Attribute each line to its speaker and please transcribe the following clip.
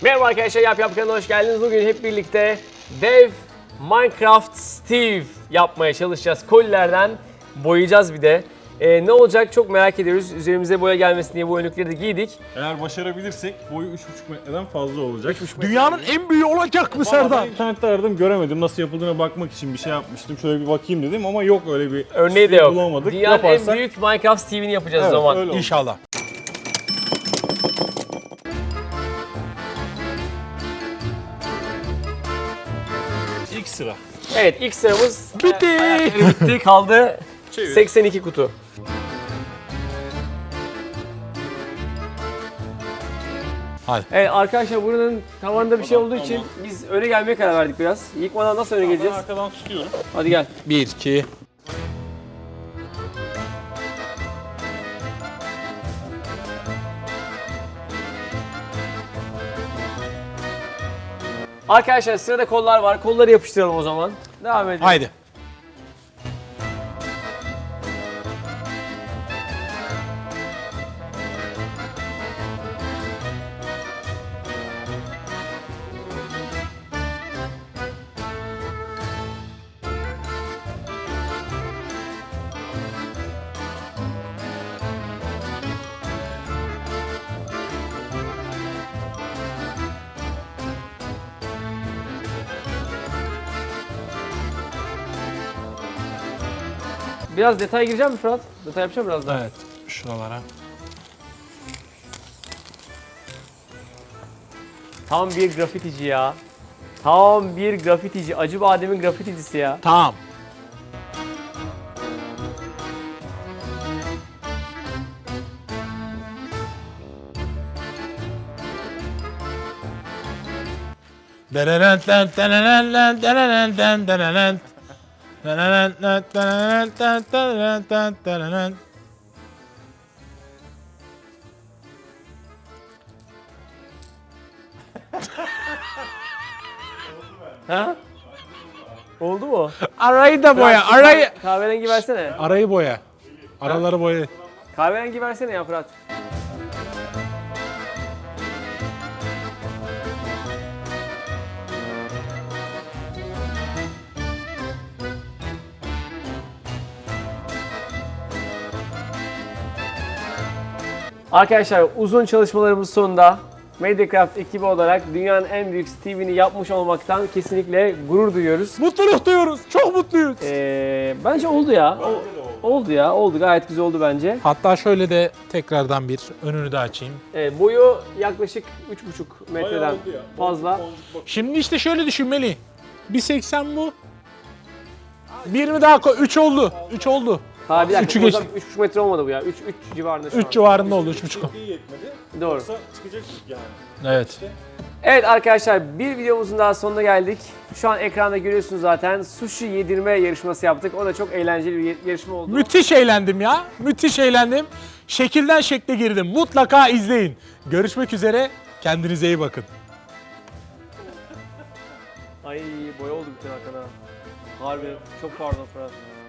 Speaker 1: Merhaba arkadaşlar, Yap kanalına hoş geldiniz. Bugün hep birlikte dev Minecraft Steve yapmaya çalışacağız. Kolilerden boyayacağız bir de. Ne olacak çok merak ediyoruz. Üzerimize boya gelmesin diye bu önlükleri de giydik.
Speaker 2: Eğer başarabilirsek boyu 3,5 metreden fazla olacak.
Speaker 3: Dünyanın en büyüğü olacak mı Serdar?
Speaker 2: Ben internette aradım, göremedim. Nasıl yapıldığına bakmak için bir şey yapmıştım. Şöyle bir bakayım dedim ama yok öyle bir
Speaker 1: Örneği de yok.
Speaker 2: bulamadık.
Speaker 1: Dünyanın en büyük Minecraft Steve'ini yapacağız o
Speaker 2: Evet,
Speaker 1: zaman.
Speaker 2: öyle oldu.
Speaker 3: İnşallah.
Speaker 2: İlk sıra.
Speaker 1: Evet, ilk sıramız
Speaker 3: Bitti.
Speaker 1: bitti. Kaldı
Speaker 2: Çevir.
Speaker 1: 82 kutu.
Speaker 3: Hadi.
Speaker 1: Evet arkadaşlar, buranın tavanında bir şey olduğu için biz öne gelmeye karar verdik biraz. Yıkmadan nasıl öne
Speaker 2: Ben
Speaker 1: geleceğiz?
Speaker 2: arkadan tutuyorum.
Speaker 1: Hadi gel.
Speaker 3: 1, 2.
Speaker 1: Arkadaşlar sırada kollar var. Kolları yapıştıralım o zaman. Devam edelim.
Speaker 3: Haydi.
Speaker 1: Biraz detay gireceğim mi Fırat? Detay yapacağım biraz daha.
Speaker 3: Evet. Şuralara.
Speaker 1: Tam bir grafitici ya. Tam bir grafitici. Acıbadem'in grafiticisi ya.
Speaker 3: Tamam. Denenent lent denenent lent denenent lent denenent. Denenent lent denenent lent denenent lent denenent.
Speaker 1: Ha? Oldu mu?
Speaker 3: Arayı da boya,
Speaker 1: Fırat,
Speaker 3: arayı.
Speaker 1: Kahverengi versene.
Speaker 3: Arayı boya. Araları boya.
Speaker 1: Kahverengi versene ya Fırat. Arkadaşlar uzun çalışmalarımız sonunda Mediacraft ekibi olarak dünyanın en büyük Steve'ini yapmış olmaktan kesinlikle gurur duyuyoruz.
Speaker 3: Mutluluk duyuyoruz. Çok mutluyuz.
Speaker 1: Bence oldu ya. Oldu ya. Oldu. Gayet güzel oldu bence.
Speaker 3: Hatta şöyle de tekrardan bir önünü de açayım.
Speaker 1: Boyu yaklaşık 3,5 metreden
Speaker 2: Bayağı oldu ya.
Speaker 1: fazla.
Speaker 3: Şimdi işte şöyle düşünmeli. 1.80 bu. Bir mi daha koy? 3 oldu. 3 oldu.
Speaker 1: Ha bir dakika.
Speaker 3: Üçü
Speaker 1: o zaman
Speaker 3: geçti.
Speaker 1: 3,5 metre olmadı bu ya. 3 civarında şu
Speaker 3: 3
Speaker 1: an.
Speaker 3: civarında oldu. 3.5.
Speaker 2: İyi yetmedi.
Speaker 1: Doğru.
Speaker 2: Yoksa çıkacak yani.
Speaker 3: Evet.
Speaker 1: Evet arkadaşlar, bir videomuzun daha sonuna geldik. Şu an ekranda görüyorsunuz zaten. Sushi yedirme yarışması yaptık. O da çok eğlenceli bir yarışma oldu.
Speaker 3: Müthiş eğlendim ya. Müthiş eğlendim. Şekilden şekle girdim. Mutlaka izleyin. Görüşmek üzere. Kendinize iyi bakın.
Speaker 1: Ay boya oldu bütün arkada. Harbi çok pardon Fırat.